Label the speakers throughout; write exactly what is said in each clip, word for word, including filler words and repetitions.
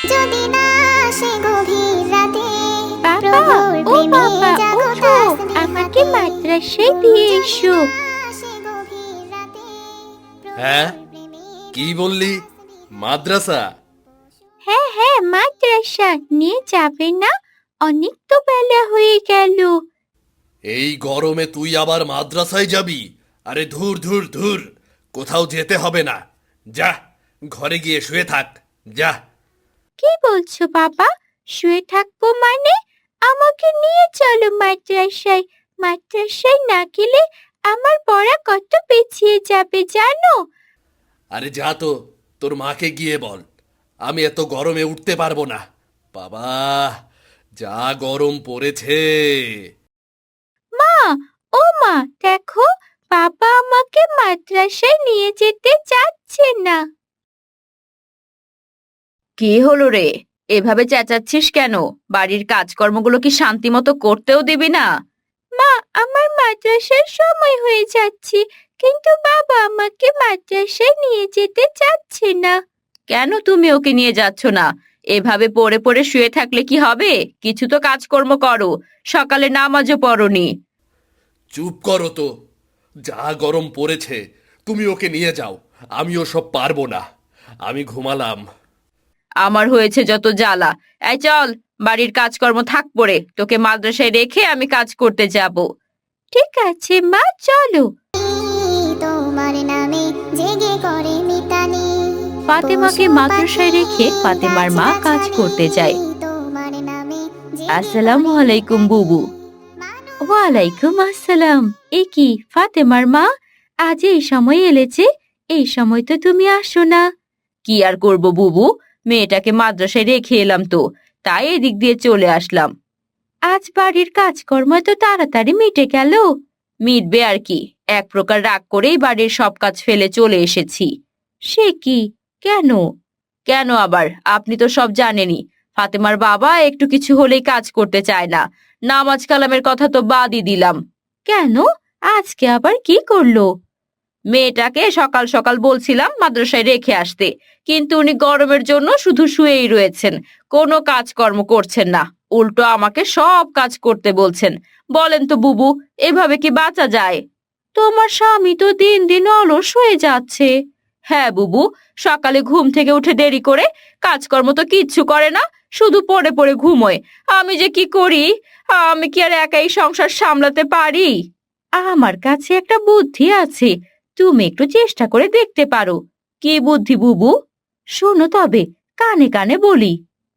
Speaker 1: যদি না আসে গভীর রাতে
Speaker 2: বাবা,
Speaker 1: প্রভুর
Speaker 2: ও
Speaker 1: প্রেমে
Speaker 2: বাবা,
Speaker 1: জাগো
Speaker 2: ওঠো,
Speaker 1: তাসবিহ
Speaker 2: আমাকে
Speaker 1: হাতে।
Speaker 2: মাদ্রাসায় দিয়ে
Speaker 1: যদি
Speaker 2: এসো।
Speaker 1: না আসে গভীর রাতে
Speaker 3: হ্যাঁ,
Speaker 1: প্রভুর প্রেমে
Speaker 3: কি
Speaker 1: জাগো
Speaker 3: বললি?
Speaker 1: তাসবিহ
Speaker 3: মাদ্রাসা?
Speaker 2: হ্যাঁ হ্যাঁ, মাদ্রাসা নিয়ে যাবে না? অনেক তো বেলা হয়ে গেল।
Speaker 3: এই গরমে তুই আবার মাদ্রাসায় যাবি? আরে ধুর ধুর ধুর, কোথাও যেতে হবে না। যা, ঘরে গিয়ে শুয়ে থাক। যা।
Speaker 2: কি বলছো বাবা? শুয়ে থাকবো মানে? আমাকে নিয়ে চলো মাদ্রাসায়। মাদ্রাসায় না গেলে আমার পড়া কত পিছিয়ে যাবে জানো?
Speaker 3: আরে যা তো, তোর মাকে গিয়ে বল আমি এত গরমে উঠতে পারবো না। বাবা, যা গরম পড়েছে।
Speaker 2: মা, ও মা, দেখো, বাবা আমাকে মাদ্রাসায় নিয়ে যেতে চাচ্ছে না।
Speaker 4: কি হলো রে? এভাবে চেঁচাচ্ছিস কেন? বাড়ির কাজকর্মগুলো কি শান্তি মতো করতেও দিবি না?
Speaker 2: মা, আমার মাদ্রাসার সময় হয়ে যাচ্ছে, কিন্তু বাবা আমাকে মাদ্রাসায় নিয়ে যেতে চাচ্ছে না।
Speaker 4: কেন তুমি ওকে নিয়ে যাচ্ছ না? এভাবে পড়ে পড়ে শুয়ে থাকলে কি হবে? কিছু তো কাজকর্ম করো। সকালে নামাজও পড়োনি।
Speaker 3: চুপ করো তো। যা গরম পড়েছে, তুমি ওকে নিয়ে যাও। আমি ওসব পারবো না। আমি ঘুমালাম।
Speaker 4: আমার হয়েছে যত জ্বালা। এই চল, বাড়ির কাজকর্ম থাক পড়ে, তোকে মাদ্রাসায় রেখে আমি কাজ করতে যাব।
Speaker 2: ঠিক আছে মা, চলো।
Speaker 1: তোমার নামে জেগে করে মিতানি।
Speaker 4: ফাতেমাকে মাদ্রাসায় রেখে ফাতেমার মা কাজ করতে যায়।
Speaker 1: তোমার নামে জেগে
Speaker 4: আসসালামু
Speaker 1: করে
Speaker 4: আলাইকুম বুবু।
Speaker 1: মানুষ
Speaker 2: ওয়ালাইকুম আসসালাম। এ কি ফাতেমার মা, আজ এই সময় এলেছে? এই সময় তো তুমি আসো না।
Speaker 4: কি আর করব বুবু, মেয়েটাকে মাদ্রাসায় রেখে এলাম তো, তাই এদিক দিয়ে চলে আসলাম।
Speaker 2: আজ বাড়ির কাজকর্ম তো তাড়াতাড়ি মিটে গেল।
Speaker 4: মিটবে আর কি, এক প্রকার রাগ করেই বাড়ির সব কাজ ফেলে চলে এসেছি।
Speaker 2: সে কি? কেন?
Speaker 4: কেন আবার, আপনি তো সব জানেনই। ফাতেমার বাবা একটু কিছু হলেই কাজ করতে চায় না। নামাজ কালামের কথা তো বাদই দিলাম।
Speaker 2: কেন? আজকে আবার কি করলো?
Speaker 4: মেয়েটাকে সকাল সকাল বলছিলাম মাদ্রাসায় রেখে আসতে, কিন্তু উনি গরমের জন্য শুধু শুয়েই রয়েছেন, কোনো কাজকর্ম করছেন না। উল্টো আমাকে সব কাজ করতে বলছেন। বলেন তো বুবু, এভাবে কি বাঁচা যায়?
Speaker 2: তোমার স্বামী তো দিন দিন অলস হয়ে যাচ্ছে।
Speaker 4: হ্যাঁ বুবু, সকালে ঘুম থেকে উঠে দেরি করে কাজকর্ম তো কিচ্ছু করে না, শুধু পড়ে পড়ে ঘুমোয়। আমি যে কি করি? আমি কি আর একাই সংসার সামলাতে পারি?
Speaker 2: আমার কাছে একটা বুদ্ধি আছে, তুমি একটু চেষ্টা করে দেখতে পারো।
Speaker 4: কি বুদ্ধি বুবু?
Speaker 2: শোনো তবে, কানে কানে বলি।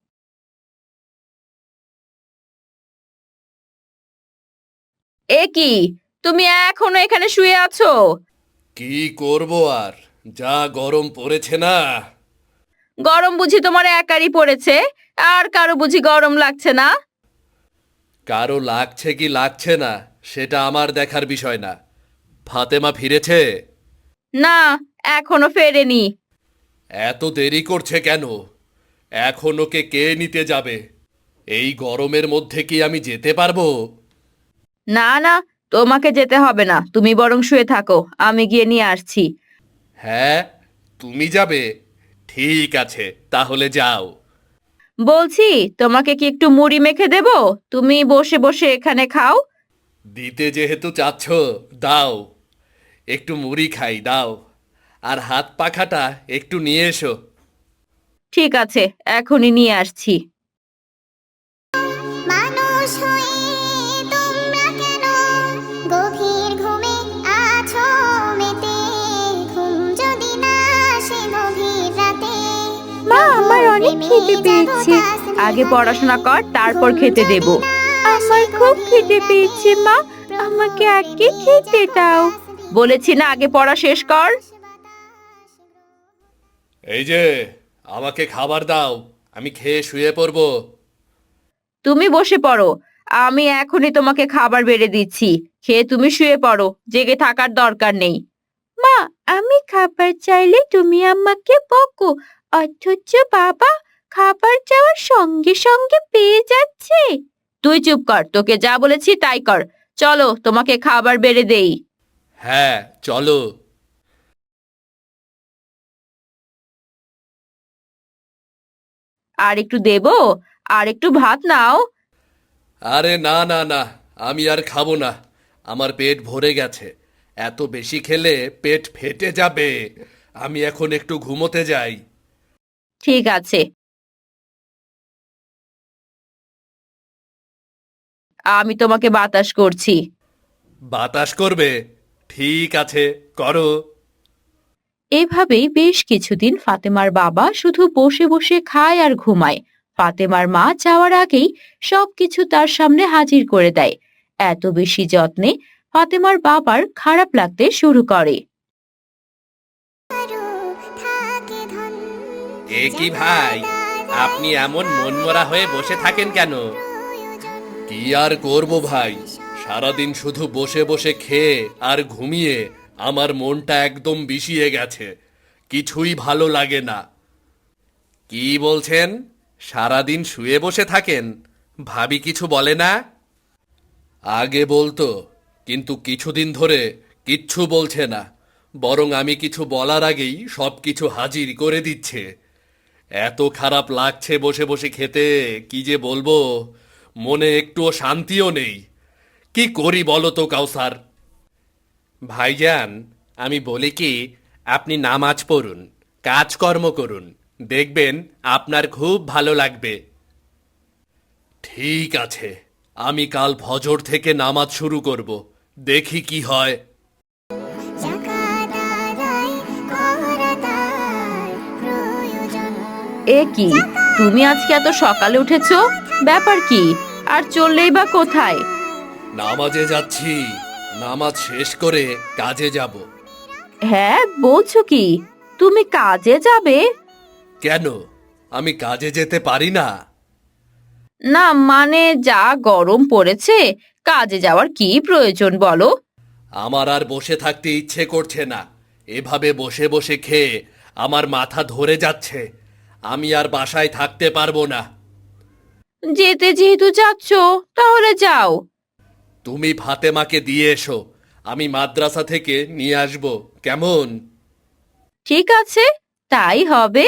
Speaker 4: এ কি, তুমি এখনো এখানে শুয়ে আছো?
Speaker 3: কি করব আর, যা গরম পড়েছে না।
Speaker 4: গরম বুঝি তোমার একারই পড়েছে? আর কারো বুঝি গরম লাগছে না?
Speaker 3: কারো লাগছে কি লাগছে না সেটা আমার দেখার বিষয় না। ফাতেমা ফিরেছে?
Speaker 4: না, এখনো ফেরেনি।
Speaker 3: এত দেরি করছে কেন? এখন ওকে কে নিতে যাবে? এই গরমের মধ্যে কি আমি যেতে পারবো?
Speaker 4: না না, তোমাকে যেতে হবে না, তুমি বরং শুয়ে থাকো, আমি গিয়ে নিয়ে আসছি।
Speaker 3: হ্যাঁ, তুমি যাবে? ঠিক আছে, তাহলে যাও।
Speaker 4: বলছি, তোমাকে কি একটু মুড়ি মেখে দেব? তুমি বসে বসে এখানে খাও।
Speaker 3: দিতে যেহেতু চাচ্ছ, দাও। একটু মুড়ি খাই, দাও। আর হাত পাখাটা একটু নিয়ে এসো।
Speaker 4: ঠিক আছে, এখনই নিয়ে আসছি।
Speaker 1: মানুষ হয়ে তোমরা কেন গভীর ঘুমে আছো মেতে? ঘুম যদি না আসে গভীর রাতে
Speaker 2: মা, আমার অনেক খিদে পেয়েছে।
Speaker 4: আগে পড়াশোনা কর, তারপর খেতে দেব।
Speaker 2: আমার খুব খিদে পেয়েছে মা, আমাকে আগে খেতে দাও।
Speaker 4: বলেছি না, আগে পড়া শেষ কর।
Speaker 3: এই যে, আমাকে খাবার দাও, আমি খেয়ে শুয়ে পড়বো।
Speaker 4: তুমি বসে পড়ো, আমি এখনই তোমাকে খাবার বেড়ে দিচ্ছি। খেয়ে তুমি শুয়ে পড়ো, জেগে থাকার দরকার নেই।
Speaker 2: মা, আমি খাবার চাইলে তুমি আমাকে বকো, অথচ বাবা খাবার চাওয়ার সঙ্গে সঙ্গে পেয়ে যাচ্ছে।
Speaker 4: তুই চুপ কর, তোকে যা বলেছি তাই কর। চলো, তোমাকে খাবার বেড়ে দেই।
Speaker 3: হ্যাঁ, চলো।
Speaker 4: আর একটু দেবো? আর একটু ভাত নাও।
Speaker 3: আরে না না না, আমি আর খাবো না। আমার পেট ভরে গেছে। এত বেশি খেলে পেট ফেটে যাবে। আমি এখন একটু ঘুমোতে যাই।
Speaker 4: ঠিক আছে, আমি তোমাকে বাতাস করছি।
Speaker 3: বাতাস করবে? ঠিক আছে, করো।
Speaker 4: এভাবেই বেশ কিছুদিন ফাতেমার বাবা শুধু বসে বসে খায় আর ঘুমায়। ফাতেমার মা যাওয়ার আগেই সবকিছু তার সামনে হাজির করে দেয়। এত বেশি যত্নে ফাতেমার বাবার খারাপ লাগতে শুরু করে।
Speaker 1: আরো থাকে ধন
Speaker 3: এ কি ভাই, আপনি এমন মনমরা হয়ে বসে থাকেন কেন?
Speaker 1: প্রয়োজন
Speaker 3: কি আর করব ভাই, সারাদিন শুধু বসে বসে খেয়ে আর ঘুমিয়ে আমার মনটা একদম বিষিয়ে গেছে। কিছুই ভালো লাগে না। কি বলছেন? সারাদিন শুয়ে বসে থাকেন? ভাবি কিছু বলে না? আগে বলতো, কিন্তু কিছুদিন ধরে কিচ্ছু বলছে না। বরং আমি কিছু বলার আগেই সব কিছু হাজির করে দিচ্ছে। এত খারাপ লাগছে বসে বসে খেতে, কি যে বলবো। মনে একটুও শান্তিও নেই। কি করি বলো তো কাউসার? ভাইজান, আমি বলি কি, আপনি নামাজ পড়ুন, কাজকর্ম করুন, দেখবেন আপনার খুব ভালো লাগবে। ঠিক আছে, আমি কাল ফজর থেকে নামাজ শুরু করব। দেখি কি হয়।
Speaker 1: জাকাত আদায় করা তার প্রয়োজন
Speaker 4: এ কি, তুমি আজকে এত সকালে উঠেছো? ব্যাপার কি? আর চললেই বা কোথায়?
Speaker 3: নামাজে যাচ্ছি। নামাজ শেষ করে কাজে যাব।
Speaker 4: হ্যাঁ, বলছো কি? তুমি কাজে যাবে?
Speaker 3: কেন, আমি কাজে যেতে পারি না?
Speaker 4: না মানে, যা গরম পড়েছে, কাজে যাওয়ার কি প্রয়োজন বলো?
Speaker 3: আমার আর বসে থাকতে ইচ্ছে করছে না। এভাবে বসে বসে খেয়ে আমার মাথা ধরে যাচ্ছে। আমি আর বাসায় থাকতে পারবো না।
Speaker 4: যেতে যেহেতু যাচ্ছ, তাহলে যাও।
Speaker 3: তুমি ফাতেমাকে দিয়ে এসো, আমি মাদ্রাসা থেকে নিয়ে আসবো, কেমন?
Speaker 4: ঠিক আছে, তাই হবে।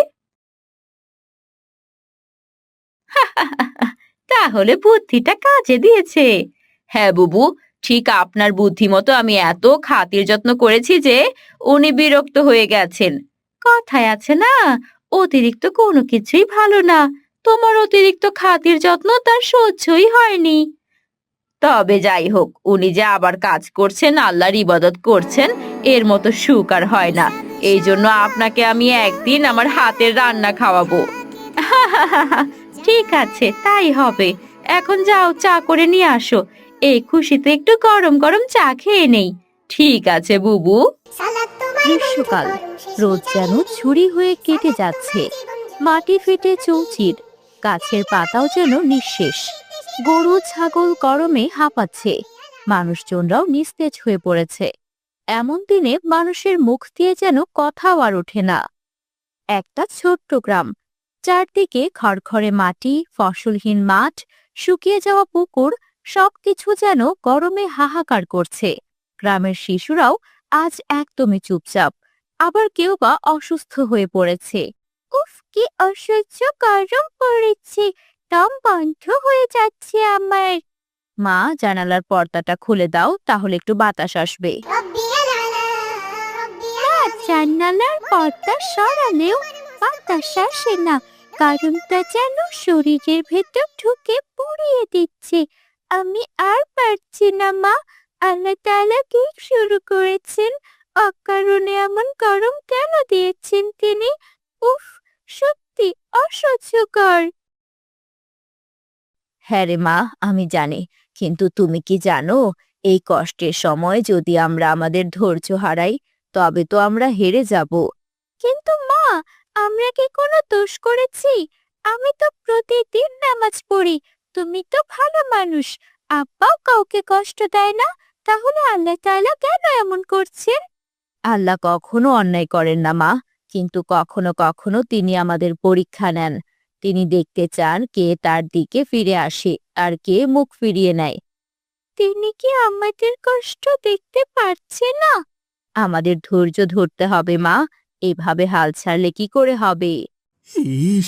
Speaker 4: তাহলে বুদ্ধিটা কাজে দিয়েছে। হ্যাঁ বুবু, ঠিক আপনার বুদ্ধি মতো আমি এত খাতির যত্ন করেছি যে উনি বিরক্ত হয়ে গেছেন। কথায় আছে না, অতিরিক্ত কোনো কিছুই ভালো না। তোমার অতিরিক্ত খাতির যত্ন তার সহ্যই হয়নি। তবে যাই হোক, উনি যে আবার কাজ করছেন, আল্লাহর ইবাদত করছেন, এর মতো সুখ আর হয় না। এই জন্য আপনাকে আমি একদিন আমার হাতের রান্না খাওয়াবো। ঠিক আছে, তাই হবে। এখন যাও, চা করে নিয়ে আসো। এই খুশিতে একটু গরম গরম চা খেয়ে নেই। ঠিক আছে বুবু।
Speaker 1: সালাত তোমার
Speaker 2: গ্রীষ্মকাল
Speaker 1: বন্ধু করো শেষ
Speaker 2: রোদ যেন
Speaker 1: বিকালে।
Speaker 2: ছুরি হয়ে কেটে যাচ্ছে। মাটি ফেটে চৌচির, গাছের পাতাও যেন নিঃশেষ। গরু ছাগল গরমে হাঁপাচ্ছে, মানুষজনরাও নিস্তেজ হয়ে পড়েছে। এমন দিনে মানুষের মুখ দিয়ে যেন কথাও আর ওঠে না। একটা ছোট্ট গ্রাম, চারদিকে খড়খড়ে মাটি, ফসলহীন মাঠ, শুকিয়ে যাওয়া পুকুর, সবকিছু যেন গরমে হাহাকার করছে। গ্রামের শিশুরাও আজ একদমই চুপচাপ, আবার কেউ বা অসুস্থ হয়ে পড়েছে। উফ, কি অসহ্য গরম পড়েছে, দম বন্ধ হয়ে যাচ্ছে আমার। মা, জানালার পর্দাটা খুলে দাও, তাহলে একটু বাতাস আসবে।
Speaker 1: রব্বিয়াল আলা, রব্বিয়াল
Speaker 2: না, জানালার পর্দা সরালেও বাতাস আসে না। গরমটা যেন শরীরের ভেতর ঢুকে পুড়িয়ে দিচ্ছে। আমি আর পারছি না মা। আল্লাহ তাআলা কি শুরু করেছেন? অকারণে এমন গরম কেন দিয়েছেন তিনি? উফ, সত্যি অসহ্যকর। হ্যাঁ রে মা, আমি জানি, কিন্তু তুমি কি জানো, এই কষ্টের সময় যদি আমরা আমাদের ধৈর্য হারাই, তবে তো আমরা হেরে যাব। কিন্তু মা, আমরা কি কোনো দোষ করেছি? আমি তো প্রতিদিন নামাজ পড়ি। তুমি তো ভালো মানুষ, আব্বাও কাউকে কষ্ট দেয় না। তাহলে আল্লাহ তাআলা কেন এমন করছেন? আল্লাহ কখনো অন্যায় করেন না মা, কিন্তু কখনো কখনো তিনি আমাদের পরীক্ষা নেন। তিনি দেখতে চান কে তার দিকে ফিরে আসে আর কে মুখ ফিরিয়ে নেয়। তিনি কি আমাদের কষ্ট দেখতে পারছে না? আমাদের ধৈর্য ধরতে হবে মা, এভাবে হাল ছাড়লে কি করে হবে?
Speaker 5: ইস,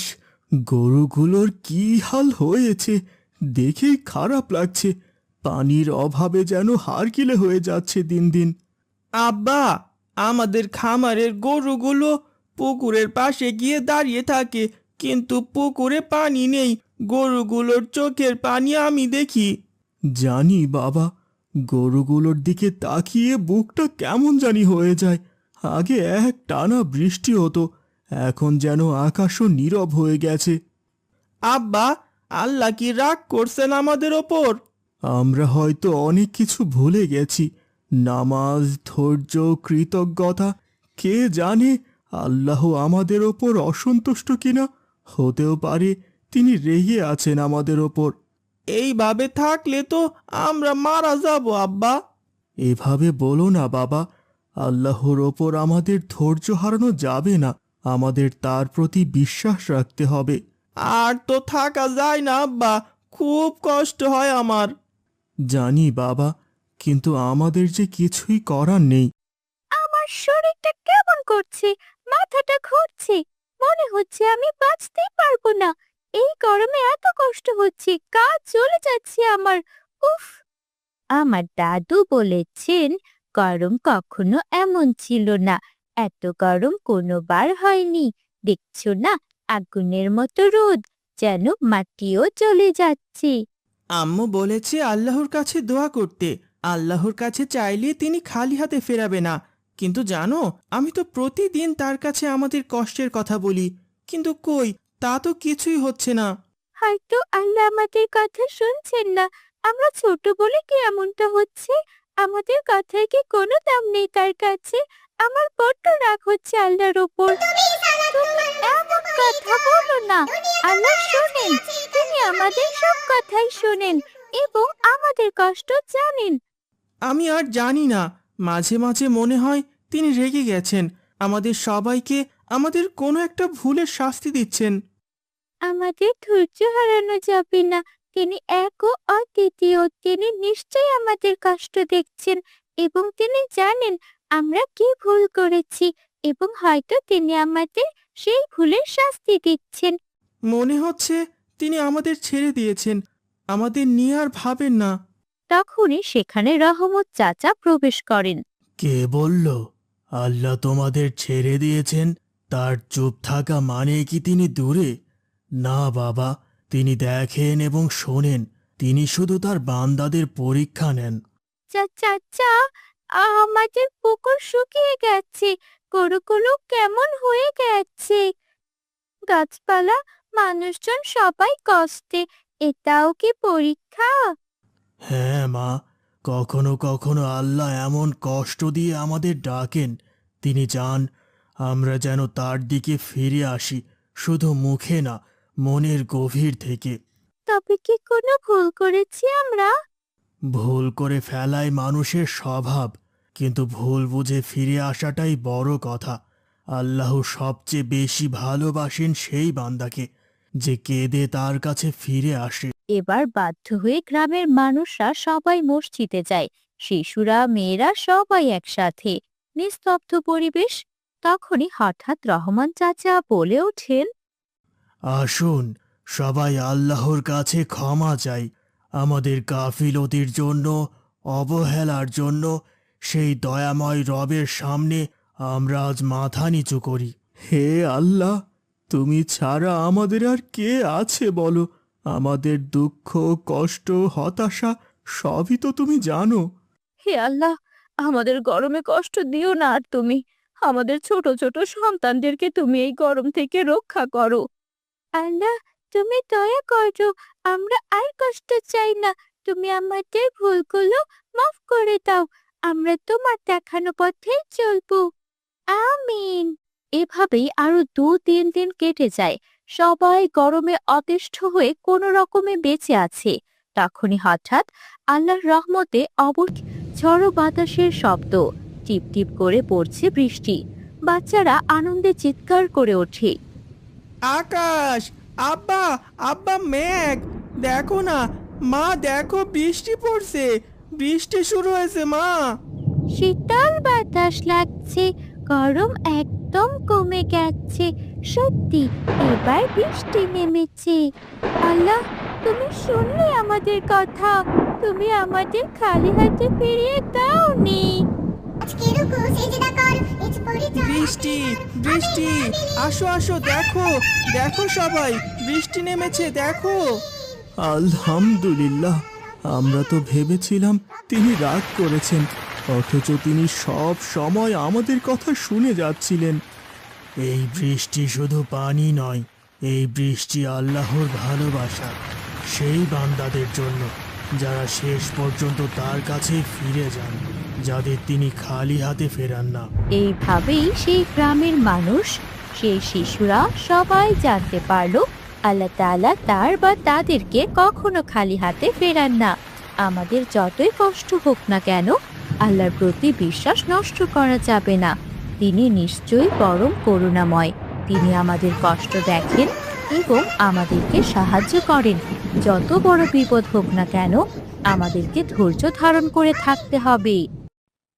Speaker 5: গরুগুলোর কি হাল হয়েছে দেখেই খারাপ লাগছে। পানির অভাবে যেন হাড়কিলে হয়ে যাচ্ছে দিন দিন।
Speaker 6: আব্বা, আমাদের খামারের গরুগুলো পুকুরের পাশে গিয়ে দাঁড়িয়ে থাকে, কিন্তু পুকুরে পানি নেই। গরুগুলোর চোখের পানি আমি দেখি।
Speaker 5: জানি বাবা, গরুগুলোর দিকে তাকিয়ে বুকটা কেমন জানি হয়ে যায়। আগে এক টানা বৃষ্টি হতো, এখন যেন আকাশও নীরব হয়ে গেছে।
Speaker 6: আব্বা, আল্লাহ কি রাগ করছেন আমাদের ওপর?
Speaker 5: আমরা হয়তো অনেক কিছু ভুলে গেছি, নামাজ, ধৈর্য, কৃতজ্ঞতা। কে জানে আল্লাহ আমাদের ওপর অসন্তুষ্ট কিনা। হতেও পারে তিনি রেগে আছেন আমাদের ওপর।
Speaker 6: এইভাবে থাকলে তো আমরা মারা যাব আব্বা।
Speaker 5: এভাবে বলো না বাবা, আল্লাহর ওপর আমাদের ধৈর্য হারানো যাবে না। আমাদের তার প্রতি বিশ্বাস রাখতে হবে।
Speaker 6: আর তো থাকা যায় না আব্বা, খুব কষ্ট হয় আমার।
Speaker 5: জানি বাবা, কিন্তু আমাদের যে কিছুই করার নেই।
Speaker 2: আমার শরীরটা কেমন করছে, মাথাটা ঘুরছে, মনে হচ্ছে আমি বাঁচতেই পারবো না। এই গরমে এত কষ্ট হচ্ছে, কাজ চলে যাচ্ছে আমার। উফ! আমার দাদু বলেছেন গরম কখনো এমন ছিল না, এত গরম কোনোবার হয়নি। দেখছো না, আগুনের মতো রোদ, যেন মাটিও চলে যাচ্ছে।
Speaker 6: আম্মু বলেছে আল্লাহর কাছে দোয়া করতে। আল্লাহর কাছে চাইলে তিনি খালি হাতে ফেরাবে না। কিন্তু জানো, আমি তো প্রতিদিন তার কাছে আমাদের কষ্টের কথা বলি, কিন্তু কই, তা তো কিছুই হচ্ছে না।
Speaker 2: হয়তো আল্লাহ আমাদের কথা শুনছেন না। আমরা ছোট বলে কি এমনটা হচ্ছে? আমাদের কথায় কি কোনো দাম নেই তার কাছে? আমার বড্ড রাগ হচ্ছে আল্লাহর ওপর। তুমি এমন কথা বলো না। আল্লাহ শোনেন, তিনি আমাদের সব কথাই শোনেন এবং আমাদের কষ্ট জানেন।
Speaker 6: আমি আর জানি না, মাঝে মাঝে মনে হয় তিনি রেগে গেছেন, আমাদের সবাইকে আমাদের কোনো একটা ভুলের শাস্তি দিচ্ছেন।
Speaker 2: আমাদের ধৈর্য হারানো যাবে না। তিনি এক ও অদ্বিতীয়। তিনি নিশ্চয়ই আমাদের কষ্ট দেখছেন এবং তিনি জানেন আমরা কি ভুল করেছি এবং হয়তো তিনি আমাদের সেই ভুলের শাস্তি দিচ্ছেন।
Speaker 6: মনে হচ্ছে তিনি আমাদের ছেড়ে দিয়েছেন, আমাদের নিয়ে আর ভাবেন না।
Speaker 2: তখনই সেখানে রহমত চাচা প্রবেশ করেন।
Speaker 5: কে বলল আল্লাহ তোমাদের ছেড়ে দিয়েছেন? তার চুপ থাকা মানে কি তিনি দূরে? না বাবা, তিনি দেখেন এবং শোনেন। তিনি শুধু তার বান্দাদের পরীক্ষা নেন।
Speaker 2: চাচা, আমাদের পুকুর শুকিয়ে গেছে, গরুগুলো কেমন হয়ে গেছে, গাছপালা, মানুষজন সবাই কষ্টে। এটাও কি পরীক্ষা?
Speaker 5: হ্যাঁ মা, কখনো কখনো আল্লাহ এমন কষ্ট দিয়ে আমাদের ডাকেন। তিনি চান আমরা যেন তার দিকে ফিরে আসি, শুধু মুখে না, মনের গভীর থেকে।
Speaker 2: তবে কি কোনো ভুল করেছি আমরা?
Speaker 5: ভুল করে ফেলাই মানুষের স্বভাব, কিন্তু ভুল বুঝে ফিরে আসাটাই বড় কথা। আল্লাহ সবচেয়ে বেশি ভালোবাসেন সেই বান্দাকে যে কেঁদে তার কাছে ফিরে আসে।
Speaker 2: এবার বাধ্য হয়ে গ্রামের মানুষরা সবাই মসজিদে যায়। শিশুরা, মেয়েরা সবাই একসাথে। নিস্তব্ধ পরিবেশ। তখনই হঠাৎ রহমান চাচা বলে ওঠেন,
Speaker 5: আসুন সবাই আল্লাহর কাছে ক্ষমা চাই, আমাদের গাফিলতির জন্য, অবহেলার জন্য। সেই দয়াময় রবের সামনে আমরা আজ মাথা নিচু করি। হে আল্লাহ, তুমি ছাড়া আমাদের আর কে আছে বলো? আমাদের দুঃখ, কষ্ট, হতাশা সবই তো তুমি জানো।
Speaker 2: হে আল্লাহ, আমাদের গরমে কষ্ট দিও না আর তুমি। আমাদের ছোট ছোট সন্তানদেরকে তুমি এই গরম থেকে রক্ষা করো। আল্লাহ, তুমি দয়া করো, আমরা আর কষ্ট চাই না। তুমি আমাদের ভুলগুলো মাফ করে দাও। আমরা তোমার দেখানো পথে চলবো। আমিন। এভাবেই আরো দু তিন দিন কেটে যায়। সবাই গরমে অতিষ্ঠ হয়ে কোনো রকমে বেঁচে আছে। তখনই হঠাৎ আল্লাহর রহমতে অবশ ঝড়ো বাতাসের শব্দ, টিপ টিপ করে পড়ছে বৃষ্টি। বাচ্চারা আনন্দে চিৎকার করে ওঠে।
Speaker 6: আকাশ, আব্বা, আব্বা, মেঘ, দেখো না মা, দেখো বৃষ্টি পড়ছে, বৃষ্টি শুরু হয়েছে মা।
Speaker 2: শীতল বাতাস লাগছে, গরম একদম কমে গেছে। সত্যি এবার বৃষ্টি নেমেছে। আল্লাহ, তুমি শুনলে আমাদের কথা, তুমি আমাদের খালি হাতে ফিরিয়ে দাওনি।
Speaker 1: আজকে রুকু সিজদা কর, নিজ পরিচয়
Speaker 6: বৃষ্টি বৃষ্টি আসো আসো, দেখো দেখো সবাই, বৃষ্টি নেমেছে দেখো। আলহামদুলিল্লাহ, আমরা তো ভেবেছিলাম তিনি রাগ করেছেন, অথচ তিনি সব সময় আমাদের কথা শুনে যাচ্ছিলেন। এই বৃষ্টি শুধু পানি নয়, এই বৃষ্টি আল্লাহর ভালোবাসা সেই বান্দাদের জন্য যারা শেষ পর্যন্ত তার কাছে ফিরে যান, যাদের তিনি খালি হাতে ফেরান না।
Speaker 2: এইভাবেই সেই গ্রামের মানুষ, সেই শিশুরা সবাই জানতে পারলো আল্লাহ তাআলা তার বা তাদেরকে কখনো খালি হাতে ফেরান না। আমাদের যতই কষ্ট হোক না কেন, আল্লাহর প্রতি বিশ্বাস নষ্ট করা যাবে না। তিনি নিশ্চয়ই পরম করুণাময়। তিনি আমাদের কষ্ট দেখেন এবং আমাদেরকে সাহায্য করেন। যত বড় বিপদ হোক না কেন, আমাদেরকে ধৈর্য ধারণ করে থাকতে হবে।